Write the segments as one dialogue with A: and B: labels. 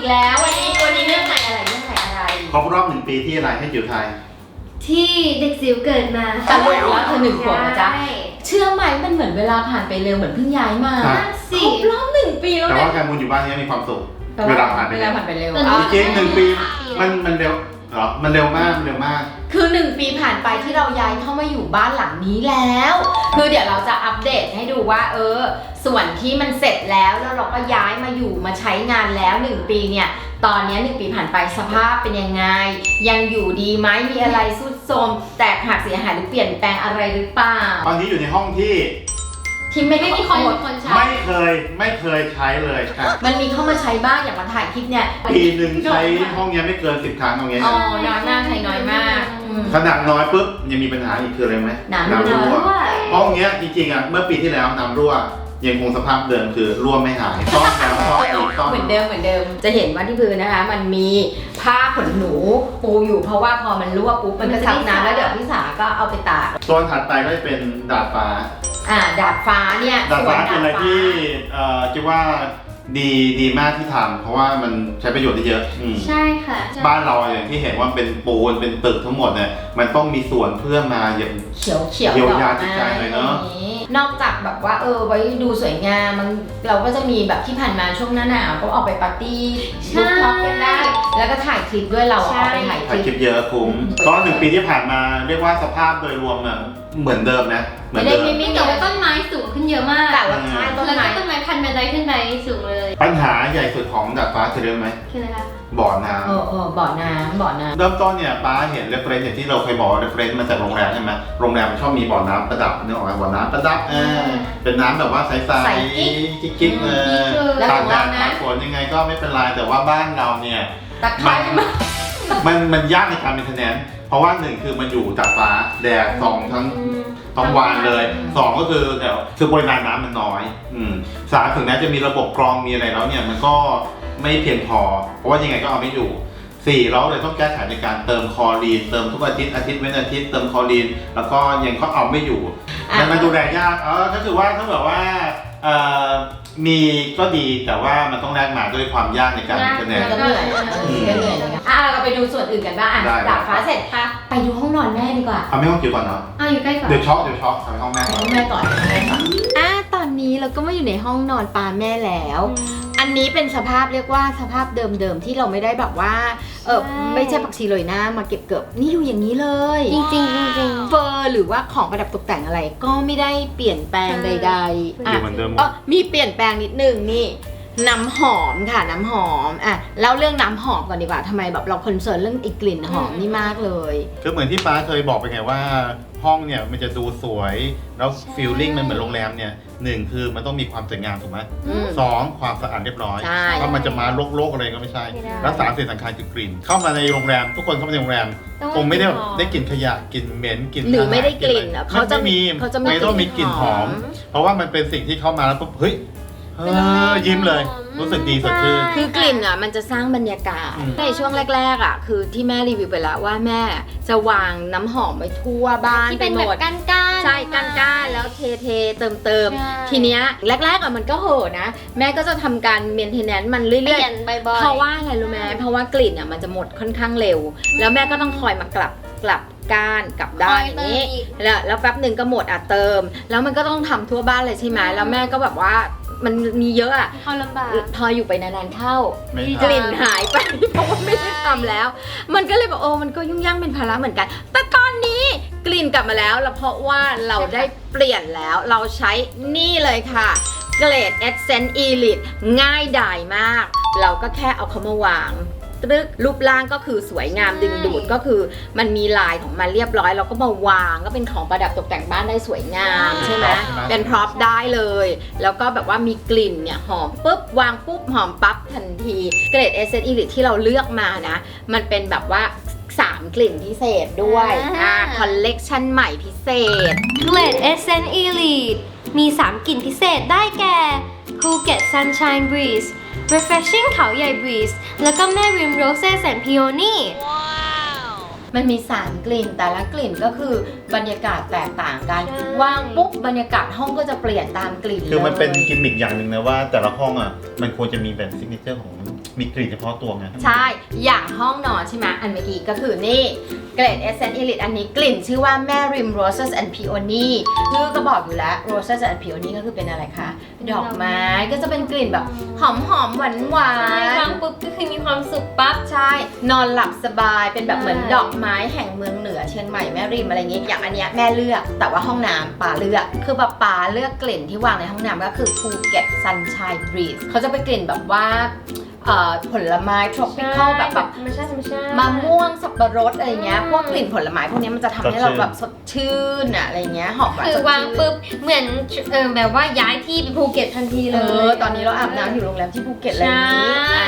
A: แล้ววันนี้เรื่องอะไร
B: ครบรอบ1 ปีที่อะไรให้จิ๋วไทย
C: ที่เด็กจิ๋วเกิดมา
A: ตลกแล้วเธอ1 ขวบนะจ๊ะเชื่อไหมมันเหมือนเวลาผ่านไปเร็วเหมือนเพิ่งย้ายมาครบรอบ1 ปีแล้วนะ
B: แต่ว่าการมูลอยู่บ้านนี้มีความสุขเวลาผ่านไปเร็วจริง1 ปีมันเร็วเหรอมันเร็วมาก
A: คือ1 ปีผ่านไปที่เราย้ายเข้ามาอยู่บ้านหลังนี้แล้วคือเดี๋ยวเราจะอัปเดตให้ดูว่าส่วนที่มันเสร็จแล้วเราก็ย้ายมาอยู่มาใช้งานแล้ว1 ปีเนี่ยตอนนี้1 ปีผ่านไปสภาพเป็นยังไงยังอยู่ดีไหมมีอะไรทรุดโทรมแตกหักเสียหายหรือเปลี่ยนแปลงอะไรหรือเปล่า
B: ตอนนี้อยู่ในห้องที่
A: ไม่ได้มีคนใช้
B: ไม่เคยใช้เลยครับ
A: มันมีเข้ามาใช้บ้างอย่างมาถ่ายคลิปเนี่ย
B: ปีหนึ่งใช้ห้องนี้ไม่เกิน10 ครั้งเอางี้
A: น้อยมากใช้น้อยมาก
B: ขนาดน้อยปุ๊บยังมีปัญหาอีกคืออะไรไหม
A: น้ำรั่ว
B: ห้องนี้จริงๆเมื่อปีที่แล้วน้ำรั่วยังคงสภาพเดิมคือรั่วไม่หายซ่อมแล้วซ่อมอีกซ่อม
A: เหมือนเดิมจะเห็นว่าที่พื้นนะคะมันมีผ้าขนหนูปูอยู่เพราะว่าพอมันรั่วปุ๊บมันก็ซับน้ำแล้วเดี๋ยวพี่สาก็เอาไปตาก
B: โซนถัดไปก็จะเป็นดาดฟ้า
A: ดาดฟ้าเนี่ย
B: ดาดฟ้าเป็นอะไรที่คิดว่าดีมากที่ทำเพราะว่ามันใช้ประโยชน์ได้เยอะ
C: ใช่ค่ะ
B: บ้านเราอย่างที่เห็นว่าเป็นปูนเป็นตึกทั้งหมดเนี่ยมันต้องมีส่วนเพื่อมาอย่าง
A: เขียว
B: เยียวยาจิตใจหน่อยเนาะ
A: นอกจากแบบว่าไว้ดูสวยงามเราก็จะมีแบบที่ผ่านมาช่วงหน้าหนาวก็ออกไปปาร์ตี้รูปท็อปกันได้แล้วก็ถ่ายคลิปด้วยเราออกไปถ่าย
B: คลิปเยอะคุ้มก็1 ปีที่ผ่านมาเรียกว่าสภาพโดยรวมเหมือนเดิมนะ
C: ไม่ได้มีแต่ว่าต้นไม้สูงขึ้นเยอะมาก
A: แต่ว่าใช่ต้น
C: ไม้พันบันไดขึ้นไปสูงเลย
B: ปัญหาใหญ่สุดของดาดฟ้าคือเรื่องไหม
C: คืออะไรคะ
B: บ่อน้
A: ำบ่อน้ำ
B: เริ่มต้นเนี่ยป้าเห็นเรฟเฟรนซ์อย่างที่เราเคยบอกเรฟเฟรนซ์มาจากโรงแรมใช่ไหมโรงแรมมันชอบมีบ่อน้ำประดับนึกออกไหมบ่อน้ำประดับเป็นน้ำแบบว่าใสๆกิ๊กตากแดดตากฝนยังไงก็ไม่เป็นไรแต่ว่าบ้านเราเนี่ยมันยากในการเป็นคะแนนเพราะว่า1คือมันอยู่จากฟ้าแดดส่องทั้งวันเลย2ก็คือปริมาณน้ำมันน้อย3ถึงแม้จะมีระบบกรองมีอะไรแล้วเนี่ยมันก็ไม่เพียงพอเพราะว่ายังไงก็เอาไม่อยู่4เราเลยต้องแก้ไขในการเติมคลอรีนเติมทุกอาทิตย์เว้นอาทิตย์เติมคลอรีนแล้วก็ยังก็เอาไม่อยู่มันดูแลยากก็คือว่าถ้าแบบว่ามีก็ดีแต่ว่ามันต้องแลกมาด้วยความยากในการคะแนน
A: ก็เหนื่อยเราไปดูส่วนอื่นกันบ้างดาดฟ้าเสร็จไปดูห้องนอนแม่ดีกว่า
B: เอาไม่ห้องจิ๋วก่อนเนาะ
C: อยู่ใกล้ก่อน
B: เดี๋ยวช็อกไปห้องแม่
A: ก่อนตอนนี้เราก็มาอยู่ในห้องนอนปาแม่แล้วอันนี้เป็นสภาพเรียกว่าสภาพเดิมๆที่เราไม่ได้แบบว่าไม่ใช่ผักชีโรยหน้ามาเก็บเกือบนี่อยู่อย่างนี้เลย
C: จริง
A: เฟอร์หรือว่าของประดับตกแต่งอะไรก็ไม่ได้เปลี่ยนแปลงใดๆมีเปลี่ยนแปลงนิดนึงนี่น้ำหอมค่ะน้ำหอมเล่าเรื่องน้ำหอมก่อนดีกว่าทำไมแบบเราคอนเซิร์นเรื่องกลิ่นหอมนี่มากเลย
B: คือเหมือนที่ป้าเคยบอกไปไงว่าห้องเนี่ยมันจะดูสวยแล้วฟีลลิ่งมันเหมือนโรงแรมเนี่ย1คือมันต้องมีความสวยงามถูกไหม2ความสะอาดเรียบร้อยเพราะมันจะมาโรคอะไรก็ไม่ใช่แล้ว3สิ่งสำคัญคือกลิ่นเข้ามาในโรงแรมทุกคนเข้ามาในโรงแรมคงไม่ได้กลิ่นขยะกลิ่นเหม็นกลิ่น
A: หรือไม่ได้กลิ่นเขาจะมี
B: ไม่ต้องมีกลิ่นหอมเพราะว่ามันเป็นสิ่งที่เข้ามาแล้วปุ๊บเฮ้ยยิ้มเลยรู้สึกดีสดชื่น
A: คือกลิ่นมันจะสร้างบรรยากาศในช่วงแรกๆคือที่แม่รีวิวไปแล้วว่าแม่จะวางน้ำหอมไว้ทั่วบ้าน
C: ไปหมดก้าน
A: ใช่ก้านแล้วเทเติมทีเนี้ยแรกๆมันก็โหนะแม่ก็จะทำการเมนเทนแนนซ์มันเรื่อยๆเพราะว่าอะไรรู้ไหมเพราะว่ากลิ่นมันจะหมดค่อนข้างเร็วแล้วแม่ก็ต้องคอยมากลับก้านกลับด้านอย่างนี้แล้วแป๊บหนึ่งก็หมดเติมแล้วมันก็ต้องทำทั่วบ้านเลยใช่ไหมแล้วแม่ก็แบบว่ามันมีเยอะ
C: พอลำบาก
A: พออยู่ไปนานๆเข้ากลิ่นหายไปเพราะว่าไม่ได้ทำแล้วมันก็เลยแบบมันก็ยุ่งยากเป็นภาระเหมือนกันแต่ตอนนี้กลิ่นกลับมาแล้วเพราะว่าเราได้เปลี่ยนแล้วเราใช้นี่เลยค่ะเกรด Essence Elite ง่ายดายมากเราก็แค่เอาเขามาวางรูปร่างก็คือสวยงามดึงดูดก็คือมันมีลายของมันเรียบร้อยเราก็มาวางก็เป็นของประดับตกแต่งบ้านได้สวยงามใช่ไหมเป็นพร็อพได้เลยแล้วก็แบบว่ามีกลิ่นเนี่ยหอมปุ๊บวางปุ๊บหอมปั๊บทันทีเกรด Essence Elite ที่เราเลือกมานะมันเป็นแบบว่า3 กลิ่นพิเศษด้วยคอลเลกชันใหม่พิเศษ
C: เกรด Essence Elite มี3 กลิ่นพิเศษได้แก่ Phuket Sunshine Breeze Refreshing เขาใหญ่ Breeze แล้วก็แม่ริม Roses and Peony
A: มันมี3 กลิ่นแต่ละกลิ่นก็คือบรรยากาศแตกต่างกันวางปุ๊บบรรยากาศห้องก็จะเปลี่ยนตามกลิ่น
B: คือมันเป็นกิมมิคอย่างหนึ่งนะว่าแต่ละห้องมันควรจะมีแบบซิกเนเจอร์ของมีกลิ่นเฉพาะตัวไง
A: ใช่ อย่างห้องนอนใช่ไหมอันเมื่อกี้ก็คือนี่เกรด Essence Elite อันนี้กลิ่นชื่อว่าแม่ริม Roses and Peony ชื่อก็บอกอยู่แล้ว Roses and Peony ก็คือเป็นอะไรคะ ดอกไม้ก็จะเป็นกลิ่นแบบหอมๆหวานหวา
C: ใช่
A: น
C: วางปุ๊บก็คือมีความสุขปั๊บ
A: ใช่ นอนหลับสบายเป็นแบบเหมือน
C: ใช่
A: ดอกไม้แห่งเมืองเหนือเชียงใหม่แม่ริมอะไรอย่างงี้อย่างอันเนี้ยแม่เลือกแต่ว่าห้องน้ำป่าเลือกคือแบบป่าเลือกกลิ่นที่วางในห้องน้ำก็คือภูเก็ต Sunshine Breeze เขาจะเป็นกลิ่นแบบว่าผลไม้ tropical แบบ
C: ธรรมชาติ
A: มะม่วงสับปะรดอะไรเงี้ยพวกกลิ่นผลไม้พวกนี้มันจะทำให้เราแบบสดชื่นอะอะไรเงี้ยหอมหวาน
C: คื
A: ส
C: อ
A: ด
C: วาง
A: ชื่น
C: ปุ๊บเหมือนแบบว่าย้ายที่ไปภูเก็ตทันทีเลย
A: ตอนนี้เราอาบน้ำอยู่โรงแรมที่ภูเก็ตอะไรอย่างนี้
C: ใช่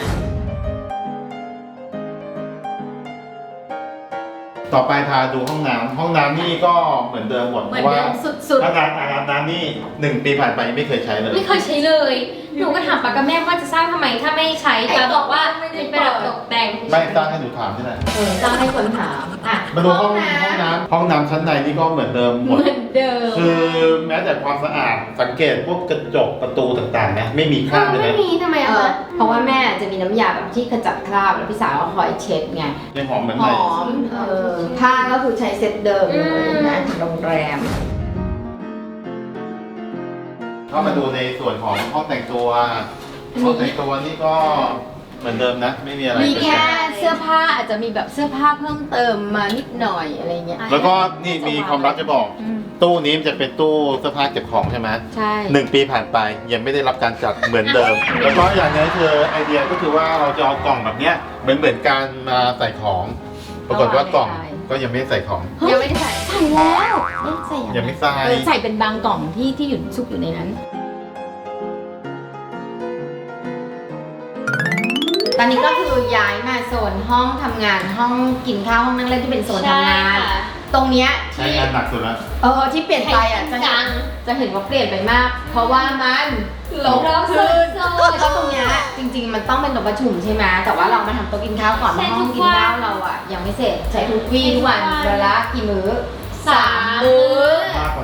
B: ต่อไปพาดูห้องน้ำนี่ก็เหมือนเดิมหมด
A: เห
B: เพ
A: มือน
B: ราะว่า
A: เดิมสุด
B: ถ้าการอาบน้ำนี่1 ปีผ่านไปยังไม่เคยใช้เลย
C: ไม่เคยใช้เลย หนูก็ถามป้ากับแม่ว่าจะสร้างทำไมถ้าไม่ใช้ป้าบอกว่าเป็นประดับตกแต่ง
B: ไม่ตั้งให้หนูถามใช่ไหม
A: ๆต้องให้คนถามอ่ะ
B: มาดูห้องน้ำชั้นในนี่ก็เหมือนเดิมหม
A: เห
B: ด
A: มือนเดิม
B: คือแม้แต่ความสะอาดสังเกตพวกกระจกประตูต่างๆนะไม่มีคราบเลย
C: ไม่
B: นะ
C: มีทำไมอะคะ
A: เพราะว่าแม่จะมีน้ำยาแบบที่ขจัดคราบแล้วพี่สาวก็คอยเช็ดไง
B: ยังหอมเหมือน
A: ห
B: ใหม่
A: อมผ้าก็คือใช้เซ็ตเดิมเลยนะโรงแรม
B: เข้ามาดูในส่วนของห้องแต่งตัวนี่ก็เหมือนเดิมนะ ไม่มีอะไร
A: มีแค่เสื้อผ้าอาจจะมีแบบเสื้อผ้าเพิ่มเติมมานิดหน่อยอะไรเงี้ย
B: แล้วก็นี่มีความลับจะบอก ตู้นี้มันจะเป็นตู้เสื้อผ้าเก็บของใช่ไหม
A: ใช่
B: 1 ปีผ่านไปยังไม่ได้รับการจัดเหมือนเดิม แล้วก็อย่างนี้คือไอเดียก็คือว่าเราจะเอากล่องแบบเนี้ยเหมือนการมาใส่ของ ปรากฏว่ากล่องก็ยังไม่ได้ใส่ของ
A: ยังไม่ได้ใส่แล้วใส่
B: ยังไม่ใส่
A: ใส่เป็นบางกล่องที่อยู่ซุกอยู่ในนั้น ตอนนี้ก็คือย้ายมาโซนห้องทำงานห้องกินข้าวห้องนั่งเล่นที่เป็นโซนทำงาน
C: ใช่ค่ะ
A: ตรงเนี้ย
B: ใช้
A: ที่
B: งานหนักสุดแล้ว
A: ที่เปลี่ยนไปอ่ะจะเห็นว่าเปลี่ยนไปมาก เพราะว่ามันลบ
C: เรา
A: ขึ้น
C: โซน
A: ก็ตรงเนี้ยจริงๆมันต้องเป็นโต๊ะประชุมใช่ไหมแต่ว่าเรามาทำโต๊ะกินข้าวก่อนเพราะห้องกินข้าวเราอ่ะยังไม่เสร็จใช้ทุกวี่ทุกวันเวลากี่มื้อ 3 มื้อ
B: มากกว่า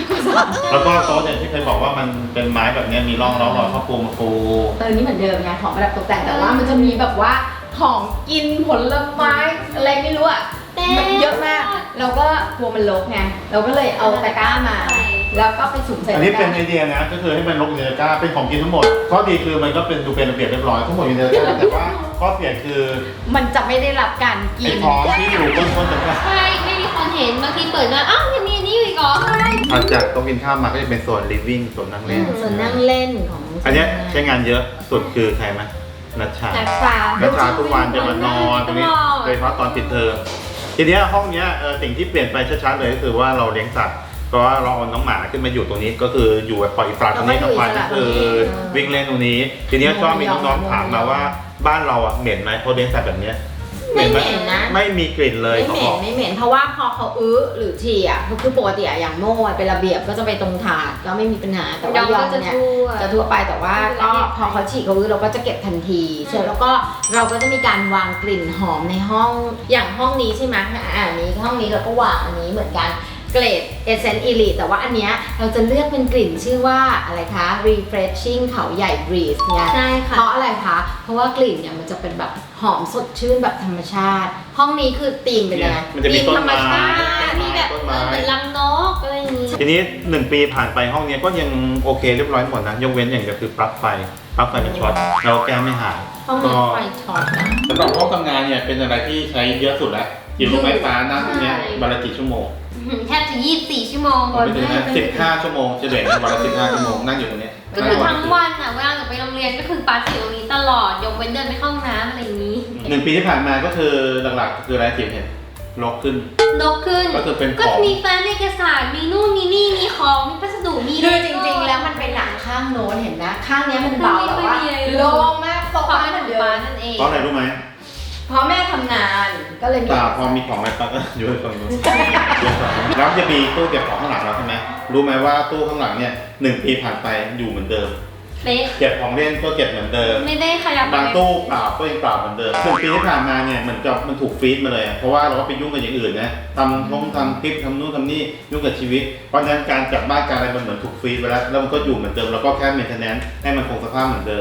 B: 3แล้วก็โต๊ะเนี่ยที่เคยบอกว่ามันเป็นไม้แบบเนี้ยมีร่องรอยข้าวปูมาปู
A: นี่เหมือนเดิมไงของประดับตกแต่งแต่ว่ามันจะมีแบบว่าของกินผลไม้อะไรไม่รู้อ่ะมันเยอะมากเราก็กลัวมันรกไงเราก็เลยเอาตะกร้ามา แล้วก็ไปสุ่มใส่
B: อัน
A: ตะ
B: นี้
A: ก
B: เป็น
A: ร้า
B: ไอเดียนะก็คือให้มันลงในตะกร้าเป็นของกินทั้งหมดข้อดีคือมันก็เป็นดูเป็นระเบียบเรียบร้อยทั้งหมดอยู่ในตะกร้าแต่ว่าข้อเสียคือ
A: มันจะไม่ได้รับการกิ
B: ไอ้
A: น
B: ของที่อยู่ต้นๆตะกร้า
C: ใช่ไม่มีคนเห็นบางทีเปิดมาอ้าวยังมีอันนี้อยู่อีกเหรอ
B: ถัดจากโต๊ะกินข้าวมาก็จะเป็นโซน living โซนนั่งเล่น
A: ส่วนนั่งเล่นของ
B: อันเนี้ยใช้งานเยอะสุดคือใครไหมนัชชา
C: นักษา
B: นัชชาทุกวันจะมานอนตรงนี้โดยเฉพาะตอนปิดเทอมทีเนี้ยห้องเนี้ยสิ่งที่เปลี่ยนไปชัดๆเลยก็คือว่าเราเลี้ยงสัตว์เพราะว่าเราเอาน้องหมาขึ้นมาอยู่ตรงนี้ก็คืออยู่แบบปล่อยอิสระตรงนี้ทั้งวันก็คือวิ่งเล่นตรงนี้ ทีเนี้ยก็มีน้องๆถามมาว่าบ้านเราอ่ะเหม็นไหมเพราะเลี้ยงสัตว์แบบเนี้ย
A: ไม่เหม็นนะ
B: ไม่มีกลิ่นเลย
A: ไม่
B: เขา
A: เห
B: บ
A: ม็
B: อน ก
A: ไม่เหม็นเพราะว่าพอเขาหรือฉี่อ่ะคือปกติอะอย่างโม่อะเป็นระเบียบก็จะไปตรงถาดก็ไม่มีปัญหาแต่ว่ายอง
C: ก็จะ
A: เนี่ย
C: ทั่ว
A: จะทั่วไปแต่ว่าก็พอเขาฉี่เขาเราก็จะเก็บทันทีเสร็จแล้วก็เราก็จะมีการวางกลิ่นหอมในห้องอย่างห้องนี้ใช่ไหมอันนี้ห้องนี้เราก็วางอันนี้เหมือนกันเกรด Essence Elite แต่ว่าอันเนี้ยเราจะเลือกเป็นกลิ่นชื่อว่าอะไรคะ Refreshing เขาใหญ่ Breeze ไง
C: ใช่ค่ะ
A: เพราะอะไรคะ เพราะว่ากลิ่นเนี่ยมันจะเป็นแบบหอมสดชื่นแบบธรรมชาติ ห้องนี้คือธีมเป็นยังไง
B: มันจะมี
A: ธี
B: ต้น
A: ธรรม
B: ไม้
A: ชาติ
C: มีแบบ
B: ต้นไม้
C: เหมือนรังนกอะไรอย่างนี้
B: ทีนี้1 ปีผ่านไปห้องเนี้ยก็ยังโอเคเรียบร้อยหมดนะยกเว้นอย่างเดียวคือปลั๊กไฟมันช็อตเราแก้ไม่หาย
A: ห้องนี้ไฟช็อตนะ
B: สำหรับห้องทำงานเนี่ยเป็นอะไรที่ใช้เยอะสุดแล้วอยู่ตรงไฟฟ้านั่งตรงเนี้ยวันละกี่ชั่วโมง
C: แทบจะ24 ชั่วโมง
B: ผมไปถึงนะ15 ชั่วโมงเฉลี่ยวันละ15 ชั่วโมงนั่งอยู่ตรงเนี้ย
C: ก็คือทั้งวันอ่ะเวลาหนูไปโรงเรียนก็คือปาร์ตี้อยู่ตรงนี้ตลอดยกเว้นเดินไปเข้าห้องน้ำอะไรอย่างนี้
B: 1 ปีที่ผ่านมาก็คือหลักๆคืออะไรที่เห็นลกขึ้น
C: นกขึ้น
B: ก็คือเป็นข
C: ก็
B: อง
C: มีแฟ้มเอกสารมีนู่นมีนี่มีของมีพัสดุมี
A: คือจริงๆแล้วมันเป็นหนังข้างโน้นเห็นนะข้างเนี้ยมันเบาแบบว่าโล่งมากโซ
C: ความ
A: ฟา
C: เป็น
A: เหมือน
C: ของ
A: เดิ
C: ป้าม นั่นเอง
B: เพราะอะไรรู้ไหม
A: เพราะแม่ทำงานก็เลยมี
B: ตาพอมีของอะไรปั๊บก็อยู่ตรงนู้นแล้วจะมีตู้เก็บของข้างหลังเราใช่ไหมรู้ไหมว่าตู้ข้างหลังเนี่ย1 ปีผ่านไปอยู่เหมือนเดิม
C: เป๊ะ
B: เก็บของเล่นก็เก็บเหมือนเดิม
C: ไม่ได้ขยับบ
B: างตู้เปล่าก็ยังเปล่าเหมือนเดิม1 ปีที่ผ่านมาเนี่ยเหมือนกับมันถูกฟรีดมาเลยอะเพราะว่าเราก็ไปยุ่งกับอย่างอื่นนะทำคลิปทำนู่นทำนี่ยุ่งกับชีวิต เพราะฉะนั้นการจัดบ้านการอะไรมันเหมือนถูกฟรีดไปแล้วแล้วมันก็อยู่เหมือนเดิมแล้วก็แค่เมนเทนแนนซ์ให้มันคงสภาพเหมือนเดิม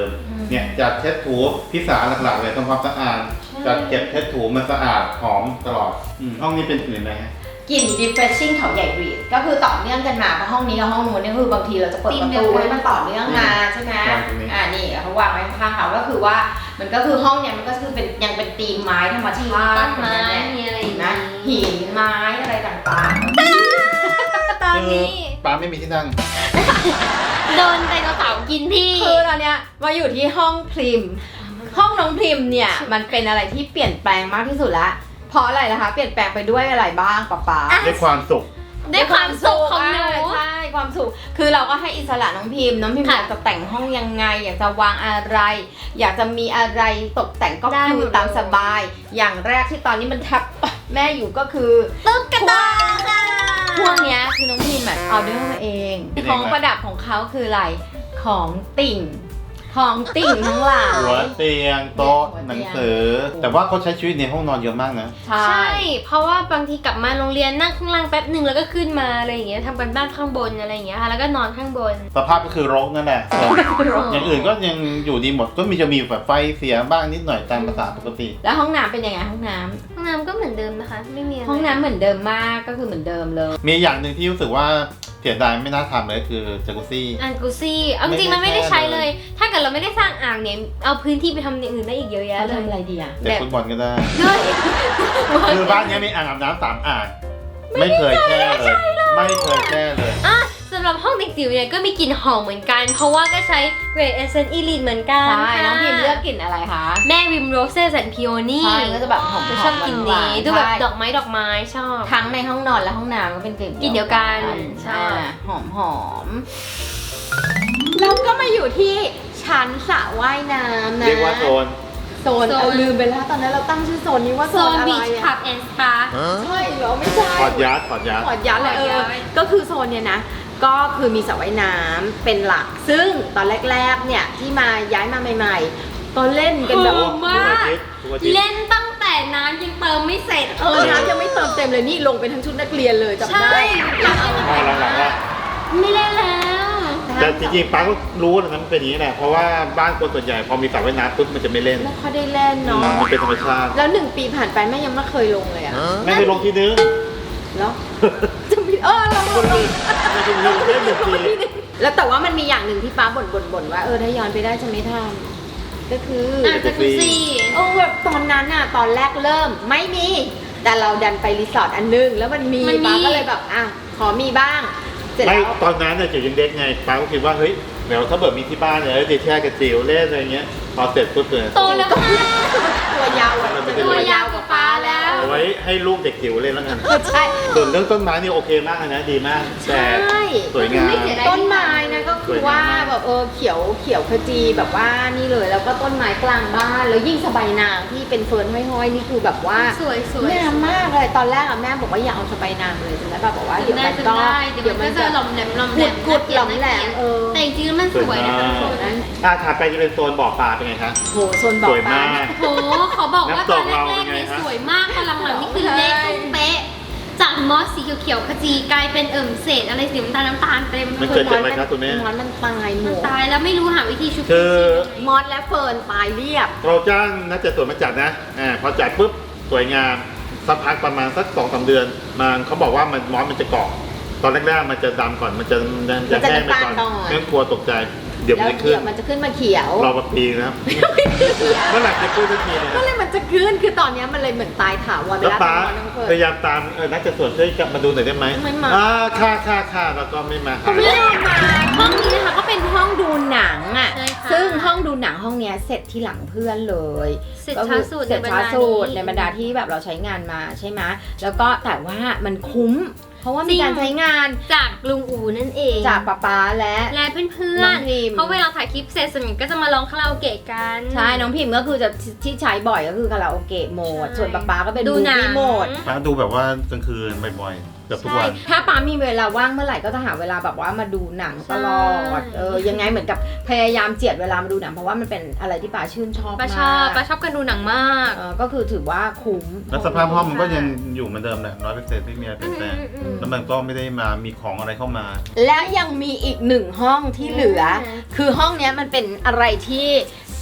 B: เนี่ยจัดเช็ดถูพี่สาหลักๆเลยทำความสะอาดจัดเก็บเช็ดถูมันสะอาดหอมตลอดห้องนี้เป็นกลิ่นอะไรฮะ
A: กลิ่น refreshing เขาใหญ่บรีดก็คือต่อเนื่องกันมาเพราะห้องนี้กับห้องนู้นเนี่ยคือบางทีเราจะเปิดประตูให้มันต่อเนื่องมาใช่ไหมนี่เขาวางไว้ข้างๆเขาก็คือว่ามันก็คือห้องเนี่ยมันก็คือเป็นยังเป็นธีมไม้ธรรมชาติ
C: ต้นไม้มีอะไรอย่าง
A: นะ
C: นี้
A: หินไม้อะไรต่าง
C: ตอนนี้
B: ป้าไม่มีที่นั่ง
C: โดนไดโนเสาร์กินที่
A: ๆคือตอนเนี้ยมาอยู่ที่ห้องพริมห้องน้องพริมเนี่ยมันเป็นอะไรที่เปลี่ยนแปลงมากที่สุดละเพราะอะไรนะคะเปลี่ยนแปลงไปด้วยอะไรบ้างป๊า
B: ด้วยความสุข
C: ได้ความสุขของหนู
A: ใช่ความสุขคือเราก็ให้อิสระน้องพิมพ์อ
C: ค่ะ
A: ยากจะแต่งห้องยังไง อยากจะวางอะไร อยากจะมีอะไรตกแต่งก็
C: ได้
A: คื
C: หม
A: อ
C: ด
A: ตามสบาย อย่างแรกที่ตอนนี้มันทับแม่อยู่ก็คือ
C: ตุ๊กตาค่ะ
A: พวกเนี้ยคือน้องพิมพ์อะเอาด้วยตัวเอง
B: เป็นยังไง
A: ของประดับของเขาคืออะไรของติ่งของติ่งทั้งหลาย
B: หัวเตียงโต๊ะ
A: หัวเตียง
B: หนังสือ แต่ว่าเขาใช้ชีวิตในห้องนอนเยอะมากนะ
A: ใช่
C: ใช่ เพราะว่าบางทีกลับมาโรงเรียนนั่งข้างล่างแป๊บหนึ่งแล้วก็ขึ้นมาอะไรอย่างเงี้ยทำกันบ้านข้างบนอะไรอย่างเงี้ยค่ะแล้วก็นอนข้างบน
B: สภาพก็คือรกนั่นแหละอย่างอื่นก็ยังอยู่ดีหมดก็จะมีแบบไฟเสียบ้างนิดหน่อยตามภาษาปกติ
A: แล้วห้องน้ำเป็นยังไงห้องน้ำ
C: ห้องน้ำก็เหมือนเดิมนะคะ ไม่มีอะไร
A: ห้องน้ำเหมือนเดิมมากก็คือเหมือนเดิมเลย
B: มีอย่างหนึ่งที่รู้สึกว่าเสียดายไม่น่าทำเลยคือจากุซี่
C: อ่างกูซี่เอาจริงๆมันไม่ได้ใช้เลย ถ้าเกิดเราไม่ได้สร้างอ่างเนี่ยเอาพื้นที่ไปทำอย่างอื่นได้อีกเยอะแยะ
A: แล้ว
C: เลย
A: ทำอะไรดีอะ
B: เตะฟุตบอลก็ได้
C: ด้วย
B: คือบ้านเนี้ยมีอ่างอาบน้ำ3 อ่าง ไม่เคยแช่เลย ไม่เคยแช่เลย
C: อ่ะสำหรับห้องเด็กจิ๋วเนี่ยก็มีกลิ่นหอมเหมือนกัน เพราะว่าก็ใช้ Great Essence Elite เหมือนกัน
A: ใช่
C: ค่ะ
A: น้องพิมพ์เลือกกลิ่นอะไรคะ
C: แม่วิมโรเซ่แอนพิโอนี่
A: ใช่ก็จะแบบหอมๆ
C: ชอบกลิ่น
A: หวา
C: นี้
A: นๆ
C: ดูแบบ
A: ใช่
C: ดอกไม้ชอบ
A: ทั้งในห้องนอนและห้องน้ำก็เป็นกลิ่น
C: กลิ่นเดียวกัน
A: ใช่
C: ใช่
A: หอมแล้วก็มาอยู่ที่ชั้นสระว่ายน้ำนะ
B: เรียกว่าโซน
A: โซนเอาลืมไปแล้วตอนนั้นเราตั้งชื่อโซนนี้ว่า
C: โซ
A: โซน
C: น
A: อะไร
C: บีช
A: อะ
C: พับแอนด์สปา
A: ใช่เหรอไม่ใช่
B: ถอดยัดถอดยัด
A: ขอดยัดเลย
C: ขอดยัด
A: ก็คือโซนเนี่ยนะ ก็คือมีสระว่ายน้ำเป็นหลัก ซึ่งตอนแรกๆเนี่ยที่มาย้ายมาใหม่ๆ ตอนเล่นกันแบบ
C: โอ้ มาก
B: ทุกอาทิตย์
C: เล่นตั้งแต่น้ำยังเติมไม่เสร็จ
A: น้ำยังไม่เติมเต็มเลยนี่ลงไปทั้งชุดนักเรียนเลยจำ
C: ใช่
A: ได้
B: พอหลังๆว่า
C: ไม่เล่นแล้ว
B: แต่จริงๆป้าก็รู้นะมันเป็นอย่างนี้แหละ เพราะว่าบ้านคนส่วนใหญ่พอมีสระว่ายน้ำปุ๊บมันจะไม่เล่น
A: ไม่ค่อยได้เล่นเนาะ
B: มันเป็นธรรมชาติ
A: แล้ว1 ปีผ่านไปแม่ยังไม่เคยลงเลยอะ
B: ไม่เคยลงทีนึง
A: แล้วจะมีลง
B: คนลืมไม่เคยลงแค่1 ปี
A: แล้วแต่ว่ามันมีอย่างหนึ่งที่ป้าบ่นว่าถ้าย้อนไปได้จะไม่ทำก็คือ
C: อ่ะจากุซี่
A: แบบตอนนั้นอะตอนแรกเริ่มไม่มี แต่เราดันไปรีสอร์ทอันนึงแล้วมันมีป้าก็เลยแบบขอมีบ้างเสร็จ
B: ไม่
A: แล้ว
B: ตอนนั้นเนี่ยจิ๋วยังเด็กไงป้าก็คิดว่าเฮ้ยเดี๋ยวถ้าเกิดมีที่บ้านเนี่ยเดี๋ยวแช่กับจิ๋วเล่นอะไรเงี้ยพอเสร็จปุ๊บเลย
C: โตแล้วค่ะ
A: ตัวยาวอะ
C: ตัวยาวกว่าป๊าแล้ว
B: เอาไว้ให้ลูกเด็กจิ๋วเล่นแล้วกัน
A: ใช่
B: ส่วนเรื่องต้นไม้นี่โอเคมากเลยนะดีมากแต่
A: ใช่
B: สวยงาม
C: ไม่เสียดาย
A: ต้นไม้นะก็คือว่า
B: สวยงามมาก
A: แบบเขียวขจีแบบว่านี่เลยแล้วก็ต้นไม้กลางบ้านแล้วยิ่งสบายนางที่เป็นเฟิร์นห้อยๆนี่คือแบบว่า
C: สวย
A: งามมากเลยตอนแรกอะแม่บอกว่าอย่าเอาสบายนางเลยจนแล้วแบบบอกว่าเดี๋ยว
C: ได้
A: มัน
C: จะ
A: ก็
C: ได้เดี๋ยวมันก็จะหล่อมแหลมหล่อมแหลม
A: กุดหล่อมแหลม
C: แต่จริงๆแล้วมันสวยนะคะ
B: สวยมาก ถัดไปจะเป็นโซนบ่อปลาเป็นไงคะ
A: โหโซนบ่อ
B: สวย
A: ปลาม
B: าก
C: โหขอบอกว่าตอนแร
B: น้ำตกเรา
C: ก
B: เป็น
C: ๆ
B: ไง
C: นี่
B: ฮะ
C: สวยมากพอหลังๆนี่คือเละตุ้มเป๊ะจากมอสสีเขียวๆขจีกลายเป็นเศษอะไรสีน้ำตาลเต็ม
B: มันเกิดจากอะไรครับคุณแม่
A: มอสมันตายหม
C: มัน
A: ด
C: ตายแล้วไม่รู้หาวิธีชุบ
B: คือ
A: มอสและเฟิร์นตายเรียบ
B: เราจ้างนักจัดสวนมาจัดนะพอจัดปุ๊บสวยงามสักพักประมาณสัก2-3 เดือนมันเขาบอกว่ามันมอสมันจะเกาะตอนแรกๆมันจะดำก่อนมันจะแห้งไปก่อน
A: มันจะน้ำตาลก่อน
B: ไม่ต้องกลัวตกใจ เดี๋ยวมัน
A: แล้ว
B: จะขึ้
A: เดี๋
B: น
A: ยวมันจะขึ้นมาเขียว
B: รอมาปีนะครับ เมื่อไหร่จะขึ้นสักทีเนี่ย
A: ก็เลยมันจะขึ้นคือตอนเนี้ยมันเลยเหมือนตายถาวรไป
B: แล้ว
A: แล้ว
B: ป้า
A: น้องเฟิร์น
B: พยายามตามนักจัดสวนช่วยกลับมาดูหน่อยได้ไหม
A: ไม่มา
B: ค่ะแล้วก็ไม่มาหา
A: ไม่ได้มาห้องนี้นะคะก็เป็นห้องดูหนังอ่ะ
C: ใช่ค่ะ
A: ซึ่งห้องดูหนังห้องเนี้ยเสร็จที่หลังเพื่อนเลย
C: เสร็จ
A: ก็
C: ช้า
A: คือ
C: สุด
A: เสร็จ
C: ในบรร
A: ช้า
C: ดา
A: สุด
C: นี้
A: ในบรรดาที่แบบเราใช้งานมาใช่ไหมแล้วก็แต่ว่ามันคุ้ม เพราะว่ามีการใช้งาน
C: จากลุงอูนั่นเอง
A: จากป๊าและ
C: และเพื่อ
A: น้อน งพิมพ์
C: เพราะเวลาถ่ายคลิปเสร็จสมิงก็จะมาร้องคาราโอเกะกัน
A: ใช่น้องพิมพ์ก็คือจะที่ใช้บ่อยก็คือคาราโอเกะโหมด
C: ใช่
A: ส่วนป๊าก็เป็น
C: ดู
A: มู
C: หนัง
A: ฟี่โหมด
B: ป้าดูแบบว่ากลางคืนบ่อยๆเกือบทุกวัน
A: ถ้าป๊ามีเวลาว่างเมื่อไหร่ก็จะหาเวลาแบบว่ามาดูหนังตลอดยังไงเหมือนกับพยายามเจียดเวลามาดูหนังเพราะว่ามันเป็นอะไรที่ป๊าชื่นชอบ
C: ป้าม
A: าก
C: ชอบกันดูหนังมาก
A: ก็คือถือว่าคุ้ม
B: แล้วสภาพห้องมันก็ยังอยู่เหมือนเดิมแหละ100%ไม่มีอะไรเปลี่ยนแปลงแล้วมันก็ไม่ได้มามีของอะไรเข้ามา
A: และยังมีอีก1ห้องที่เหลือ คือห้องเนี้ยมันเป็นอะไรที่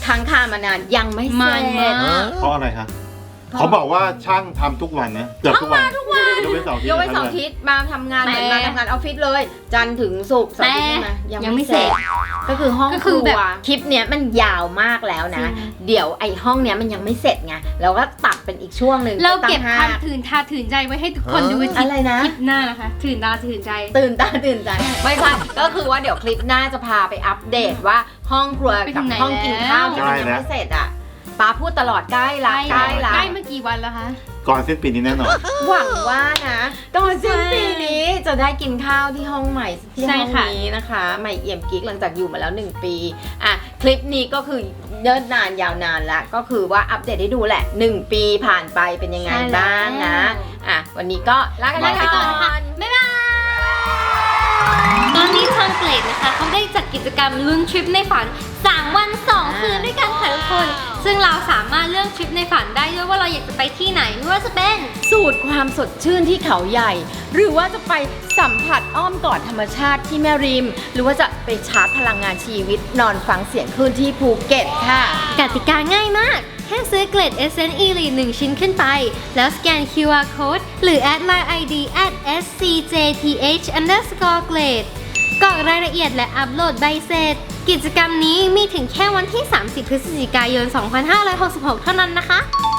A: ค้างคามานานยังไม่เสร็จ
C: มันมาก
B: เพราะอะไรคะเขาบอกว่าช่างทำทุกวันนะเกือบทุกวันยกเว้นเสาร์อาทิตย์
A: ยกไว้2 อาทิตย์มาทำงานเหมือนมาทำงานออฟฟิศเลย จันทร์ถึงศุกร์เสาร์อาทิตย์ใช่ไหม
C: ยังไม่เสร็จ
A: ก็คือห้อง
C: ก็
A: ค
C: คือ
A: รั
C: แบ
A: ว
C: บ
A: คลิปเนี้ยมันยาวมากแล้วนะ เดี๋ยวไอ้ห้องเนี้ยมันยังไม่เสร็จไงเราก็ตัดเป็นอีกช่วงหนึ่ง
C: เราเก็บ
A: ตั้ง
C: ความ
A: ห้า
C: ตื่นตาตื่นใจไว้ให้ทุกคนดู
A: อะไรนะ
C: คลิปหน้านะคะตื่นตาตื่นใจ
A: ตื่นตาตื่นใจไม่ใช่ก็คือว่าเดี๋ยวคลิปหน้าจะพาไปอัปเดตว่าห้องครัว
C: ไปถึ
A: กับ
C: งไหน
A: ห้องกินข้าว
C: แล้ว
A: ที่มันยังไม่เสร็จอ่ะป้าพูดตลอดใกล้ละใกล้ละ
C: ใกล้เมื่อกี่วันแล้วคะ
B: ก่อนสิ้นปีนี้แน่นอน
A: หวังว่านะก่อนสิ้นปีนี้จะได้กินข้าวที่ห้องใหม่ที่
C: ใช่
A: ห้อง
C: ค่ะ
A: นี้นะคะใหม่เอี่ยมกิ๊กหลังจากอยู่มาแล้ว1 ปีอ่ะคลิปนี้ก็คือเนิ่นนานยาวนานละก็คือว่าอัปเดตให้ดูแหละ1 ปีผ่านไปเป็นยังไงบ้างนะอ่ะวันนี้ก็ลากันไปก่อน
C: บ๊ายบายตอนนี้ทางเกรดนะคะเขาได้จัดกิจกรรมลุ้นทริปในฝัน 3 วัน 2 คืนด้วยกันค่ะทุกคน ซึ่งเราสามารถเลือกทริปในฝันได้ด้วยว่าเราอยากจะไปที่ไหนไม่ว่าจะเป็น
A: สูตรความสดชื่นที่เขาใหญ่ หรือว่าจะไปสัมผัสอ้อมกอดธรรมชาติที่แม่ริม หรือว่าจะไปชาร์จพลังงานชีวิตนอนฟังเสียงคลื่นที่ภูเก็ตค่ะ
C: กติกาง่ายมาก แค่ซื้อเกรด Essence Elite 1 ชิ้นขึ้นไป แล้วสแกน QR Code หรือ แอด Line ID @scjth_grade กรอกรายละเอียดและอัปโหลดใบเสร็จ กิจกรรมนี้มีถึงแค่วันที่ 30 พฤศจิกายน 2566 เท่านั้นนะคะ